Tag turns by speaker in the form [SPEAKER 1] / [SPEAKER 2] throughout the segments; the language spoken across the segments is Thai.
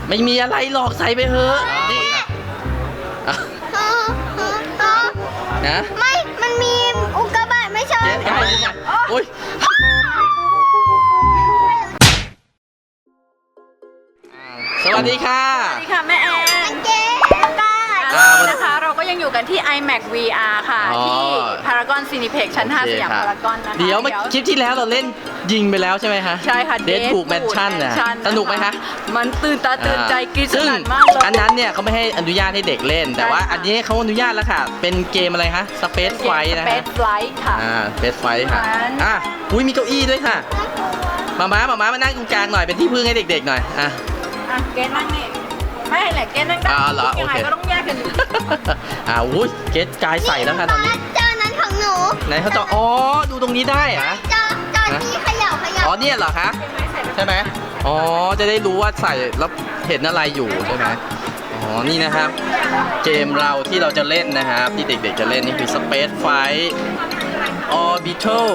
[SPEAKER 1] ไม่มีอะไรหรอกใส่ไปเถอะนี่นะ
[SPEAKER 2] ไม่มันมีอุกกาบาตไม่ใช่
[SPEAKER 1] โอ้ยสวัสดีค่ะ
[SPEAKER 3] สวัสดีค่ะแม่แอน
[SPEAKER 2] เจ๊
[SPEAKER 3] นะคะเราก็ยังอยู่กันที่ iMac VR ค่ะที่ Paragon Cineplex ชั้น 5 สยามพารากอนนะคะ
[SPEAKER 1] เดี๋ยวคลิปที่แล้วเราเล่นยิงไปแล้วใช่ไหมคะ
[SPEAKER 3] ใช่ค่ะ
[SPEAKER 1] Deadpool Mansion นะสนุกไหมคะ
[SPEAKER 3] มันตื่นตาตื่นใจกรี๊ดสนั่นมากเลย
[SPEAKER 1] อันนั้นเนี่ยเขาไม่ให้อนุญาตให้เด็กเล่นแต่ว่าอันนี้เขาอนุญาตแล้วค่ะเป็นเกมอะไรคะ Space Flight นะคะ
[SPEAKER 3] Space Flight ค่ะ
[SPEAKER 1] Space Flight ค่ะอุ้ยมีเก้าอี้ด้วยค่ะมามานั่งตรงกลางหน่อยเป็นที่พึ่งให้เด็กๆหน่อย
[SPEAKER 3] เกณฑ์นั่งนี่ไม่แหละเกณฑ์นั่งได้ยังไงก็ต้องแยกกันอยู่
[SPEAKER 1] อุ้ยเกณฑ์กายใส่แล้วค่ะตอนนี้
[SPEAKER 2] จอนั้นของหนู
[SPEAKER 1] ไหนเขาจอดูตรงนี้ได้เหรอ
[SPEAKER 2] จอที่เขย่า
[SPEAKER 1] เนี่ยเหรอคะใช่ไหมจะได้รู้ว่าใส่แล้วเห็นอะไรอยู่ใช่ไหมนี่นะครับเกมเราที่เราจะเล่นนะครับที่เด็กๆจะเล่นนี่คือ Space Flight Orbital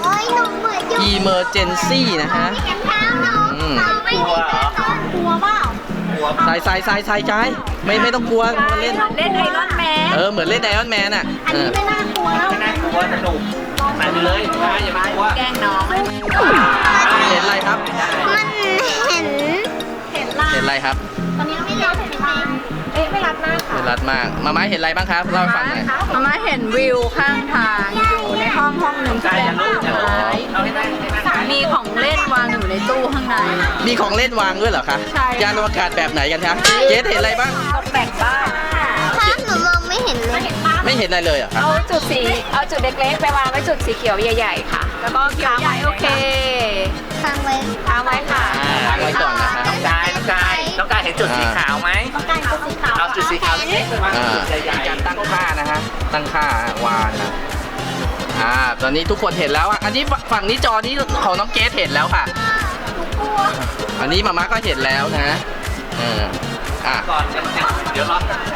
[SPEAKER 1] Emergency นะฮะ
[SPEAKER 2] กลัวเปล่า
[SPEAKER 1] ใส่กายไม่ต้องกลัวมาเล่น
[SPEAKER 3] ไอรอนแมน
[SPEAKER 1] เหมือนเล่นไอรอนแมนอ่ะ
[SPEAKER 2] อันนี้ไม่น่ากลัวแล้ว
[SPEAKER 4] ไม่น่ากลัวสนุกไปเลยอย่าไปกลัว
[SPEAKER 3] แกล้งน้อง
[SPEAKER 1] เห็นอะไรครับ
[SPEAKER 2] มันเห็น
[SPEAKER 1] อะไรครับ
[SPEAKER 2] ตอนนี้ไม่รับเห็นไหมไม่รับมากค่ะ
[SPEAKER 1] ไม่รับมากมาเห็นอะไรบ้างครับเล่าให้ฟังหน่อย
[SPEAKER 3] มาเห็นวิวข้างทางอยู่ในห้องหนึ่งที่เป็นต้นไม้มีของเล่นวางอยู่ในตู้ข้างใน
[SPEAKER 1] มีของเล่นวางด้วยเหรอคะ
[SPEAKER 3] ใช่
[SPEAKER 1] ยานอวกาศแบบไหนกันคะเกสเห็นอะไรบ้าง
[SPEAKER 3] ตกแต่งบ้าน
[SPEAKER 2] หนูมองไม่เห็นเลย
[SPEAKER 1] ไม่เห็นอะไรเลยอ่ะ
[SPEAKER 3] เอาจุดเล็กๆไปวางไว้จุดสีเขียวใหญ่ๆค่ะแล้วก็ค้างไว้โอเค
[SPEAKER 2] ค้างไว้
[SPEAKER 3] ค่ะ
[SPEAKER 1] ค้างไว้ก่อนนะคะ
[SPEAKER 4] น้องกายเห็นจุดสีขาวไหมเอาจุดสีขาวนี่
[SPEAKER 1] การตั้งค่านะฮะตั้งค่าวางนะตอนนี้ทุกคนเห็นแล้วอันนี้ฝั่งนี้จอนี้ของน้องเกสเห็นแล้วค่ะอันนี้มาม่าก็เห็นแล้วนะ
[SPEAKER 4] ก่อนเดี๋ยวรอ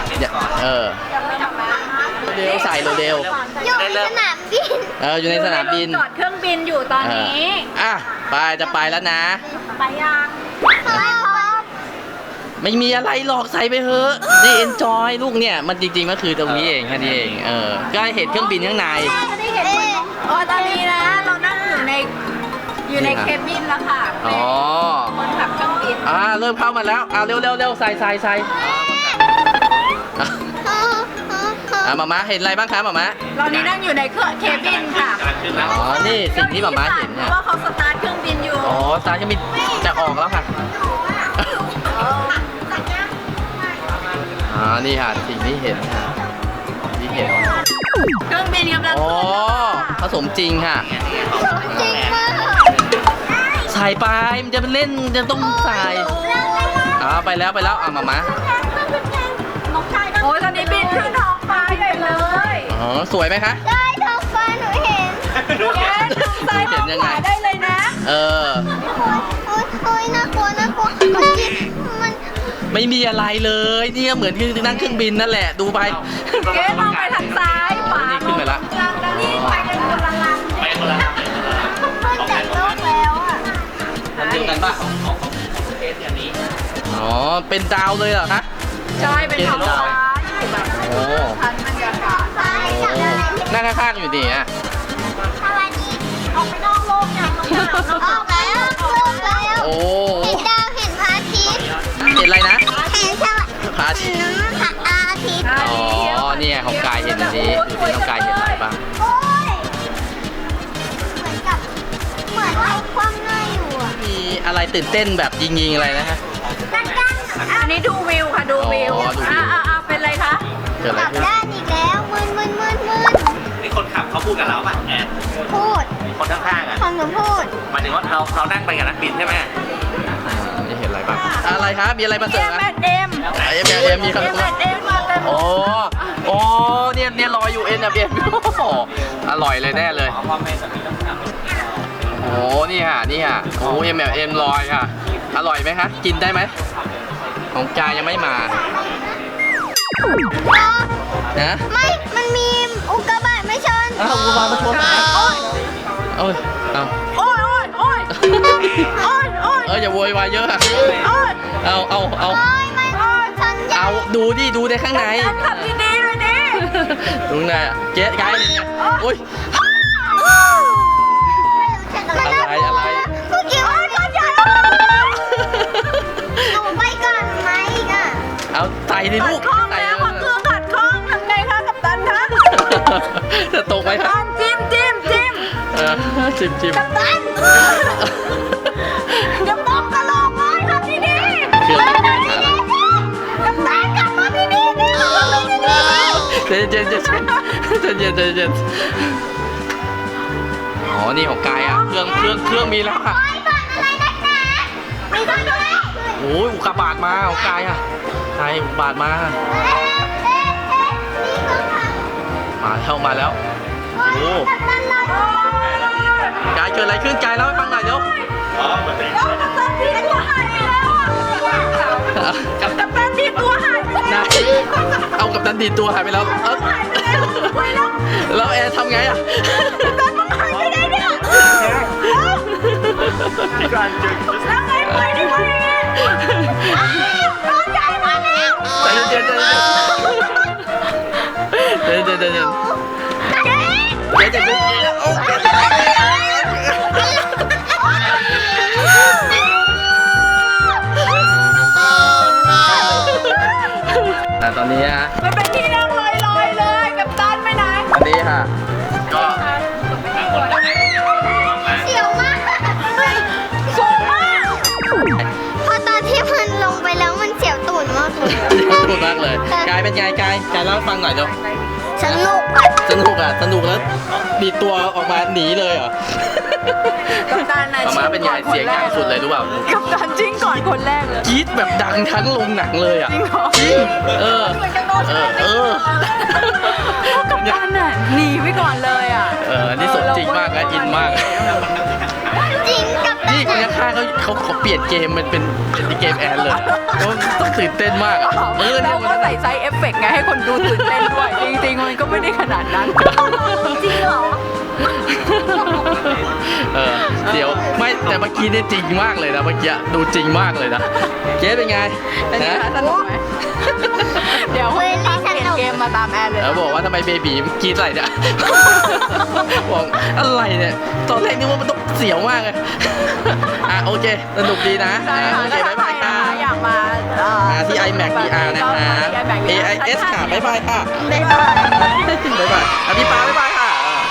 [SPEAKER 1] เร็วใส่เร็ว
[SPEAKER 2] อยู่ในสนามบิน
[SPEAKER 1] อยู่ในสนามบิน
[SPEAKER 3] จอดเครื่องบินอยู่ตอนนี้
[SPEAKER 1] จะไปแล้วนะ
[SPEAKER 3] ไปยัง
[SPEAKER 1] ไม่มีอะไรหรอกใส่ไปเถอะนี่ enjoy ลูกเนี่ยมันจริงๆมันคือตรงนี้เองแค่นี้เองก็เห็นเครื่องบินข้างใน
[SPEAKER 3] ตอนนี้นะเรานั่งอยู่ในเคบินแล้วค่ะคนขับเครื่องบิน
[SPEAKER 1] เริ่มเข้ามาแล้วเร็วใส่มาม่าเห็นอะไรบ้างคะมาม่า
[SPEAKER 3] เรานี่นั่งอยู่ในเคบินค่ะ
[SPEAKER 1] นี่สิ่งที่มาม่าเห็นเนี่ย
[SPEAKER 3] ว่าเขาสตาร์ทเครื่องบินอยู่
[SPEAKER 1] สตาร์ทเครื่องบินจะออกแล้วค่ะนี่ค่ะสิ่งที่เห็นค่ะ
[SPEAKER 3] เครื่องบินกำลัง
[SPEAKER 1] ผสมจริงค่ะใส่ไปมันจะเล่นจะต้องใส่ไปแล้วมาม่า
[SPEAKER 3] โอ้ยตอนนี้บินขึ้นท้องฟ้าใหญ่เลย
[SPEAKER 1] สวยไหมคะ
[SPEAKER 2] ได้ท้องฟ้าหนูเห็น
[SPEAKER 3] ใส่ท้องฟ้าได้เลยนะ
[SPEAKER 2] โอ้ยน่ากลัวมัน
[SPEAKER 1] ไม่มีอะไรเลยนี่เหมือนนั่งเครื่องบินนั่นแหละดูไป
[SPEAKER 3] เก๊มองไปทางซ้ายขวา
[SPEAKER 1] ขึ้นไปละ
[SPEAKER 3] นี่ไปกันคนละลำ
[SPEAKER 2] มันจากโลกแล้ว
[SPEAKER 1] เดียวกันป่ะ
[SPEAKER 4] เคสอย่างนี้
[SPEAKER 1] เป็นดาวเลยเหรอคะ
[SPEAKER 3] ใช่เป็นท้องฟ้าอยู่แบบชั้นบรรยากาศ
[SPEAKER 1] นั่งข้างๆอยู่ดี
[SPEAKER 2] ออกไปนอกโลกอย่างออกแล้วเห็นดาวเห็นพระอาทิตย์
[SPEAKER 1] เห็นอะไรนะ
[SPEAKER 2] เห็น
[SPEAKER 1] พระอาทิตย์เนี่ยของกายเห็นอันนี้ดูสิน้องกายเห็นอะไรบ้าง
[SPEAKER 2] เหมือนว่าความง่ายอยู่
[SPEAKER 1] มีอะไรตื่นเต้นแบบยิงอะไรนะฮะ
[SPEAKER 3] อันนี้ดูวิวค่ะดูวิวเป็นไรคะ
[SPEAKER 1] เกิดอะไรขึ้น
[SPEAKER 2] ด้านอีกแล้วมึน
[SPEAKER 4] นี่คนขับเขาพูดกับเราป่ะแอน
[SPEAKER 2] พูด
[SPEAKER 4] คนข้างๆ
[SPEAKER 2] ของหนูพูด
[SPEAKER 4] หมายถึงว่าเรานั่งไปกับนักบินใช่ไหม
[SPEAKER 1] นี่เห็นอะไรบ้างอะไรครับมีอะไรมาเสริม
[SPEAKER 3] นะเอ็ม
[SPEAKER 1] มีคำพูดเนี่ยรออยู่MMMอร่อยเลยแน่เลยนี่ฮะMMM ลอยค่ะอร่อยไหมคะกินได้ไหมของกายยังไม่มานะ
[SPEAKER 2] ไม่มันมีอุกกาบาตไม่ชน
[SPEAKER 1] อุกกาบาตไม่ชนอย่าโวยวายเยอะอะ
[SPEAKER 3] โอ๊ย
[SPEAKER 1] เอา
[SPEAKER 2] โอ้ยไม่ฉันอยาก
[SPEAKER 1] เอาดูดิดูในข้างใน
[SPEAKER 3] ทำดีๆเลยดิ
[SPEAKER 1] ดูข้างในอะเจ๊กายนี่ไงโอ้ย อะไร
[SPEAKER 2] เมื่อกี้ว่าฉันอยากหนูไปก่อนไหมอีกอ่ะ
[SPEAKER 1] เอาใส่ดิ
[SPEAKER 3] ขั
[SPEAKER 1] ลู
[SPEAKER 3] ด
[SPEAKER 1] ก
[SPEAKER 3] ข้อง
[SPEAKER 1] ใส่
[SPEAKER 3] แล้วเครื่องขัดข้องทำไงคะกัปตันคะ
[SPEAKER 1] จะตกไหมค
[SPEAKER 3] กั
[SPEAKER 1] รั
[SPEAKER 3] ป
[SPEAKER 1] บ
[SPEAKER 3] ตันจิ้ม
[SPEAKER 1] จิ้ม
[SPEAKER 3] กัปตันอย่ามองกระโหลกเลยครับที่นี่
[SPEAKER 1] เครื่องหาละ
[SPEAKER 3] กัปตันกลับมาที่นี่ดิ
[SPEAKER 1] เย็นอ๋อนี่ของกายอ่ะเครื่องมีแล้วอ่ะ
[SPEAKER 2] ไปก่อนอะไรนักหนามีก่อนด้วย
[SPEAKER 1] โอ้ยอุกกาบาตมาของกายอ่ะกายอุกกาบาตมา
[SPEAKER 2] มีเครื่องทำ
[SPEAKER 1] มาแล้วโอ้
[SPEAKER 2] กัปตันเรา
[SPEAKER 1] กายเกิดอะไรขึ้นกายเล่าให้ฟังหน่อยเร็ว
[SPEAKER 3] กัปตันที่ตัวหายไปแล้วกัปตันที่ตัวหายไป
[SPEAKER 1] ไหน
[SPEAKER 3] แล้ว
[SPEAKER 1] เอากับดันดีตัวหายไปแล้วแล้วแอร์ทำไงอ่ะ
[SPEAKER 3] กัปตันมันหายไปไหนเนี่ยแล้วไงไปดิไปร้อนใจมาแล้ว
[SPEAKER 1] ใจเย็นแต่ตอนนี้ฮะ
[SPEAKER 3] มันเป็นที่นั่งลอยๆเลยกัปตันไปไหน
[SPEAKER 1] ตอนนี้ค่ะก็
[SPEAKER 2] เสียวมาก
[SPEAKER 3] สูงมาก
[SPEAKER 2] พอตอนที่มันลงไปแล้วมันเสียวตูดมากเลย
[SPEAKER 1] ถูกมากเลยกายเป็นไงกายเล่าให้ฟังหน่อยเดี๋ยว
[SPEAKER 2] สนุกอะ
[SPEAKER 1] สนุกแล้วดีดตัวออกมาหนีเลยเหรอ
[SPEAKER 3] กัปตันน่ะ
[SPEAKER 1] ออกมาเป็นไงเสียงดังสุดเลยรู้เปล่า
[SPEAKER 3] กัปตันจิ้งก่อนคนแรกเลย
[SPEAKER 1] กรี๊ดแบบดังทั้งโรงหนังเลยอ่ะ
[SPEAKER 3] จริงเหรอ
[SPEAKER 1] จริงเออ
[SPEAKER 3] กัปตันน่ะหนีไว้ก่อนเลยอ่ะ
[SPEAKER 1] อันนี้สมจริงมากนะอินมาก
[SPEAKER 2] จริงกับตั
[SPEAKER 1] นี่
[SPEAKER 2] น
[SPEAKER 1] คนข้างๆเขาเปลี่ยนเกมมันเป็นเกมแอนเลยเขาต้องตื่นเต้นมากอ่ะเนี่
[SPEAKER 3] แล้
[SPEAKER 1] ยว
[SPEAKER 3] ก็ใส่ไซส์เอฟเฟกต์ไงให้คนดูตื่นเต้นด้วย จริงๆมันก็ไม่ได้ขนาดนั้น
[SPEAKER 2] จริงเหรอ
[SPEAKER 1] เดี๋ยวไม่แต่เมื่อกี้นี่จริงมากเลยนะเมื่อกี้ดูจริงมากเลยนะเจ๊เป็นไง
[SPEAKER 3] เป็นไงคะสนุกไหมเดี๋ยวคุณตั้งเปลี่ยนเกมมาตามแอนเลย
[SPEAKER 1] แล้วบอกว่าทำไมเบบีกรีดอะไรเนี่ยบอกอะไรเนี่ยตอนแรกนึกว่ามันต้องเสียวมากเลยโอเคสนุกดีนะ
[SPEAKER 3] ใช่ค่ะ
[SPEAKER 1] โอเค
[SPEAKER 3] ถ้า
[SPEAKER 1] บ๊าย
[SPEAKER 3] ใคร
[SPEAKER 1] บาย
[SPEAKER 3] นะ
[SPEAKER 1] ค่ะ
[SPEAKER 3] คะอยากมา
[SPEAKER 1] มาที่ iMac VR นะคะ AIS ค่ะบ๊ายบายค่ะ
[SPEAKER 3] บ๊ายบาย
[SPEAKER 1] บ๊ายบายพี่ปาบ๊ายบายค่ะ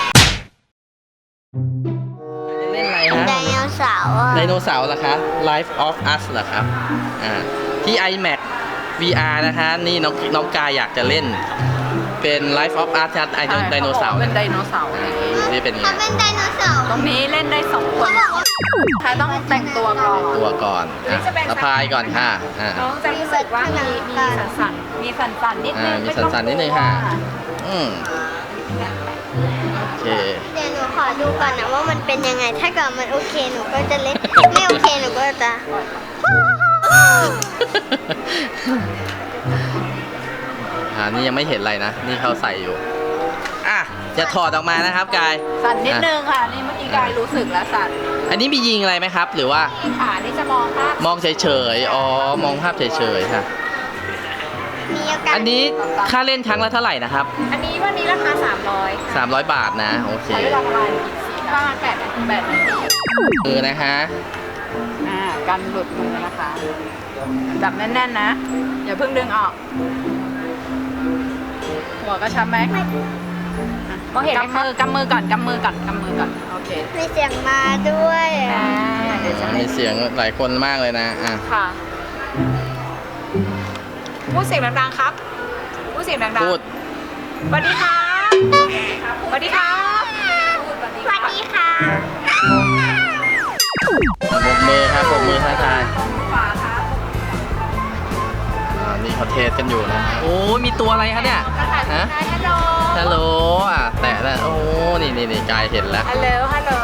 [SPEAKER 1] เล่นอะไรฮะ
[SPEAKER 2] ไดโนเสาร์อะ
[SPEAKER 1] ไดโนเสาร์เหรอคะ Life of Us เหรอครับที่ iMac VR นะคะนี่น้องกายอยากจะเล่นเป็น Life of Us ไดโนเสาร์
[SPEAKER 3] เป็นไดโนเสาร์
[SPEAKER 1] นี่เป็นไง
[SPEAKER 2] เขาเป็นไดโนเสาร์
[SPEAKER 3] ตรงนี้เล่นได้สองคนใครต้องแต่งตัวก่อน
[SPEAKER 1] ตัวก่อนสะพายก่อนค่ะ
[SPEAKER 3] น้องจะรู้สึกว่ามีสั่นๆนิดนึง
[SPEAKER 1] มีสั่นๆนิดนึงค่ะโอเค
[SPEAKER 2] เดี๋ยวหนูขอดูก่อนนะว่ามันเป็นยังไง ถ้าเกิดมันโอเคหนูก็จะเล่น ไม่โอเคหนูก็จะ
[SPEAKER 1] นี่ยังไม่เห็นอะไรนะ นี่เขาใส่อยู่จะถอดออกมานะครับกาย
[SPEAKER 3] สั่นนิดนึงค่ะ นี่เมื่อกี้กายรู้สึกแล้วสั่น
[SPEAKER 1] อันนี้มียิงอะไรไหมครับ หรือว่า
[SPEAKER 3] ที่ขานี่จะมองภาพ
[SPEAKER 1] มองเฉยๆมองภาพเฉยๆค่ะ
[SPEAKER 2] มีอาการ
[SPEAKER 1] อันนี้ค่าเล่นครั้งละเท่าไหร่นะครับ
[SPEAKER 3] อันนี้วันนี้ราคา300
[SPEAKER 1] 300 บาทนะโอเค
[SPEAKER 3] ใช้เวลาประมาณ8 นาที
[SPEAKER 1] มือนะคะ
[SPEAKER 3] กันหลุดมือนะคะจับแน่นๆนะอย่าเพิ่งดึงออกหัวกระชับไหมมองเห็นไหมคะกำมือก่อนโอเค
[SPEAKER 2] มีเสียงมาด้วย
[SPEAKER 3] เดี๋ยวจะ
[SPEAKER 1] มีเสียงหลายคนมากเลยนะ
[SPEAKER 3] ค่ะพูดเสียงดังๆครับพูดเสียงดังๆ
[SPEAKER 1] พูด
[SPEAKER 3] สวัสดีครับสวัสดีครับ
[SPEAKER 2] สวัสดีค่ะ
[SPEAKER 1] ปรบมือครับปรบมือทักทายนี่เขาเทสกันอยู่นะโอ้มีตัวอะไรคะเนี่ยฮะ ฮัลโหลแตะแล้วโอ้นี่กายเห็นแล้ว
[SPEAKER 3] ฮัลโหล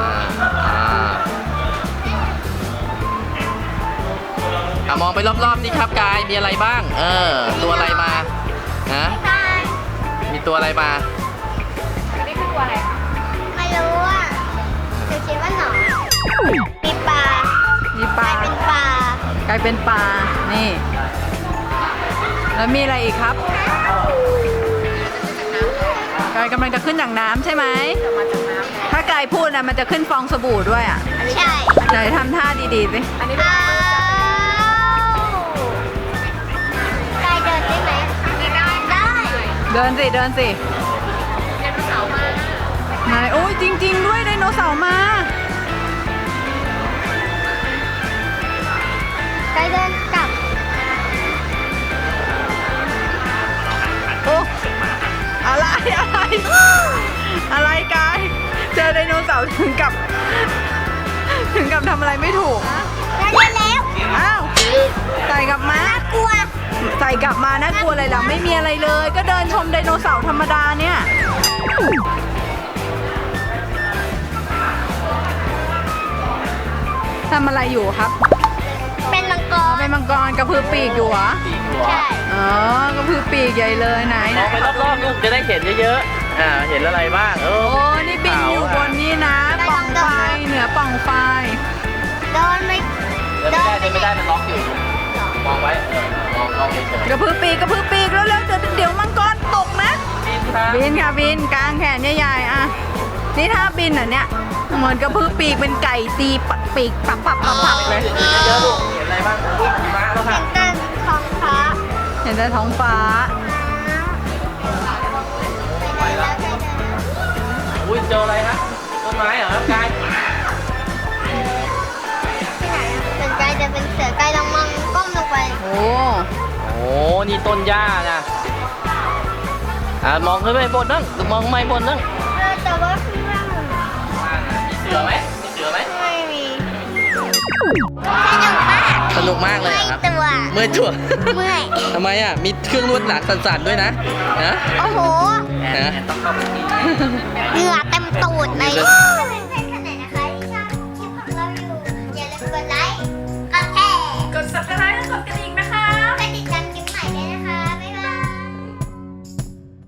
[SPEAKER 1] มองไปรอบๆนี่ครับกายมีอะไรบ้างตัวอะไรมาฮะมีตัวอะไรมา
[SPEAKER 3] นี่คือตัวอะไรคะ
[SPEAKER 2] ไม่รู้อ่ะหนูคิดว่าหนอนมีปลา
[SPEAKER 3] มีปลา
[SPEAKER 2] เป็นปลาก
[SPEAKER 3] ลายเป็นปลา นี่ แล้วมีอะไรอีกครับกายกำลังจะขึ้นจากน้ำใช่ไหม ถ้ากายพูดนะมันจะขึ้นฟองสบู่ด้วยอ่ะ
[SPEAKER 2] ใช่
[SPEAKER 3] ไหนทำท่าดีๆสิ
[SPEAKER 2] อ้าวกายเดินได้ไหมได้
[SPEAKER 3] เดินสิเดินสิไหนโอ้ยจริง ๆ ด้วยไดโนเสาร์มา
[SPEAKER 2] กายเดินกลับ
[SPEAKER 3] โอ้อะไรอะไร อะไรกาย เจอไดโนเสาร์ถึงกับทำอะไรไม่ถูก
[SPEAKER 2] ได้แล้ว
[SPEAKER 3] อ้าวใส่กลับมา
[SPEAKER 2] กลัว
[SPEAKER 3] ใส่กลับมาน่ากลัวอะไรล่ะไม่มีอะไรเลย ก็เดินชมไดโนเสาร์ธรรมดาเนี่ยทำอะไรอยู่ครับ
[SPEAKER 2] เป็นมังก
[SPEAKER 3] อ๋อ
[SPEAKER 2] ร
[SPEAKER 3] เป็นมังกรกระพือปีกอยู่เหรอ
[SPEAKER 1] ปีกหัว
[SPEAKER 2] ใช่
[SPEAKER 3] อ๋อกระพือปีกใหญ่เลยไหน
[SPEAKER 1] มองไปรอบๆลูกจะได้เห็นเยอะๆเห็นอะไรบ้าง
[SPEAKER 3] โอ้นี่บินอยู่บนนี้นะป่องไฟเหนือป่องไฟ
[SPEAKER 2] เดินไม่
[SPEAKER 1] เดินไม่ได้มันล็อกอยู่ มองไว้มองเฉย
[SPEAKER 3] กระพือปีกแล้วๆเดี๋ยวมังกรตกนะ
[SPEAKER 1] ๆบินครับ
[SPEAKER 3] บินค่ะบินกลางแขนใหญ่ๆอ่ะนี่ถ้าบินอ่ะเนี่ยเหมือนกระพือปีกเป็นไก่ตีปีกปับเลย
[SPEAKER 1] เยอะๆลูกเห็นอะไรบ้างลูกหิมะแล้วค่ะ
[SPEAKER 2] เต้นท้องฟ้า
[SPEAKER 3] เห็นแต่ท้องฟ้า
[SPEAKER 2] ไปแล้ว
[SPEAKER 1] อุ้ยเจออะไรฮะต้นไม้เหรอครับกาย
[SPEAKER 2] เป็นกายจะเป็นเสือกายลองมองก้มลงไป
[SPEAKER 3] โอ้
[SPEAKER 1] โอ้นี่ต้นหญ้านะมองขึ้นไปบนนั่งมองไม่บนนั่ง
[SPEAKER 2] แต่ว่าข้างล่าง
[SPEAKER 1] มีเสือไหมมีเสือไหม
[SPEAKER 2] ไม่มีสนุกมาก
[SPEAKER 1] สนุกมากเลยครับ
[SPEAKER 2] ตัว
[SPEAKER 1] เมื่อยตัว
[SPEAKER 2] เมื่อย
[SPEAKER 1] ทำไมอ่ะมีเครื่องนวดหนักสั่นๆด้วยนะนะ
[SPEAKER 2] โอ้โห
[SPEAKER 1] นะ
[SPEAKER 4] ต้องเข้าไปที่
[SPEAKER 2] เหงื่อเต็มตูดเลย
[SPEAKER 1] มี